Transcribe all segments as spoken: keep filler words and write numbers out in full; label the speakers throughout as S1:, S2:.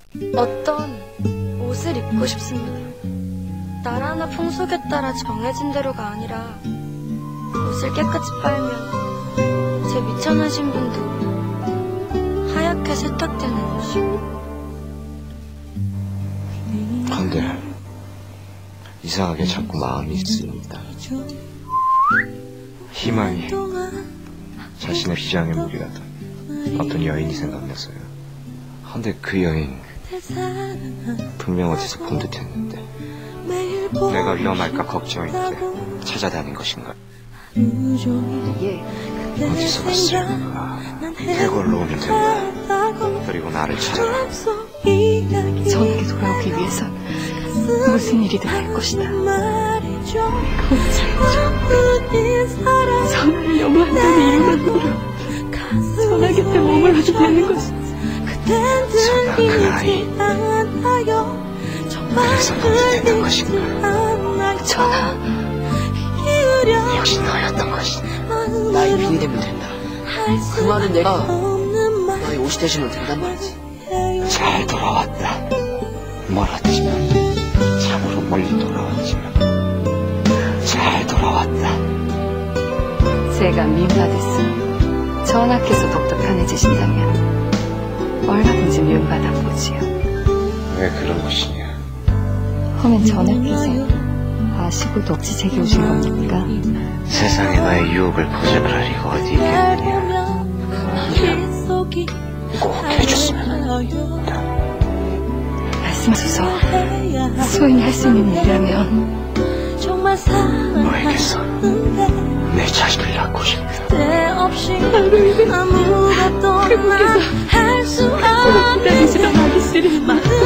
S1: 어떤 옷을 입고 싶습니다. 나라나 풍속에 따라 정해진 대로가 아니라 옷을 깨끗이 빨면 제 미천한 신분도 하얗게 세탁되는 옷이고.
S2: 근데 이상하게 자꾸 마음이 쓰입니다. 희망이 자신의 비장의 무기라던 어떤 여인이 생각났어요. 근데 그 여인 분명 어디서 본 듯 했는데 내가 위험할까 걱정인데 찾아다닌 것인가? 어디서 봤어요? 해골로 오면 된다. 그리고 나를 찾아라.
S3: 전에게 돌아오기 위해선 무슨 일이든 할 것이다. 선을 염원한다는 이유만으로 선아 곁에 머물러도 되는 것이지.
S2: 선아 그 아이 그래서 너도 되는 것인가?
S3: 전하,
S2: 역시 너였던 것이네.
S4: 나의 빈이 되면 된다. 그 말은 내가 너의 옷이 되시면 된단 말이지.
S2: 잘 돌아왔다. 멀었지만 참으로 멀리 돌아왔지만 잘 돌아왔다.
S3: 제가 미움받았으니 전하께서 더욱더 편해지신다면 얼마든지 미움받아 보지요.
S2: 왜 그런 것이냐?
S3: 허면 전하께서 아시고도 억지 제게 오신 겁니까?
S2: 세상에 나의 유혹을 거절할 리가 어디 있겠느냐. 꼭 해줬으면 한다.
S3: 말씀하소서. 소인이 할 수 있는 일이라면
S2: 너에게서 내 자식을 낳고 싶다.
S3: 나로 인해 태국에서 오래 기다리시던 아기씨를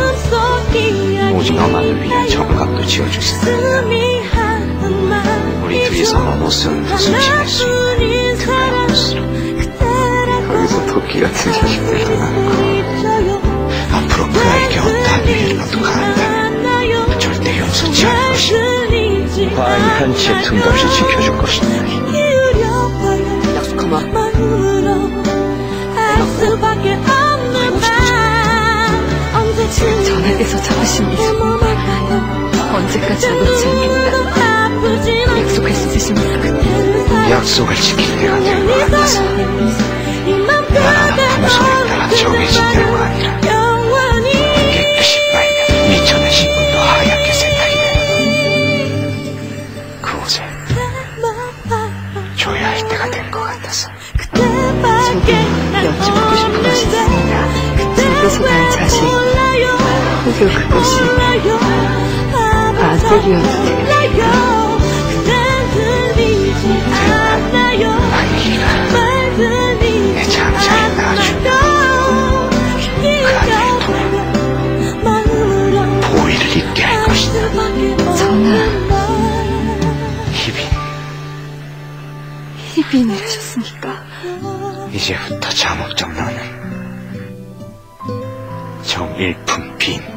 S2: 오직 너만을 위한 정각도 지어줄 생각이다. 우리 둘이서만 못 쓰는 것을 지낼 수 있는 그의 옷으로 거기서 토끼 같은 자식들도 낳고 앞으로 그 아이에게 어떠한 위해라도 가한다면 절대 용서치 않을 것이다. 과인 한치의 틈도 없이 지켜줄 것이다.
S4: 약속하마.
S3: 지금 전하께서 잡으신 일 언제까지 놓지 않겠다 약속할 수 있으십니까?
S2: 약속을 지킬 때가 된 것 같아서 나라나 풍속에 따라 정해진 대로가 아니라 깨끗이 빨면 미천한 신분도 하얗게 세탁이 되는 그 옷을 줘야 할 때가 된 것 같아서
S3: 저도 여쭤보고 싶은 것이 있습니다. 집에서 난 자식 혹여 그것이 아들이어도 되겠습니까?
S2: 아이가 내 장자를 낳아주면 그 아이를 통해 보위를 입게 할 것이다.
S3: 전하,
S2: 희빈,
S3: 희빈이라셨습니까?
S2: 이제부터 잠옥정 너는 정일품 빈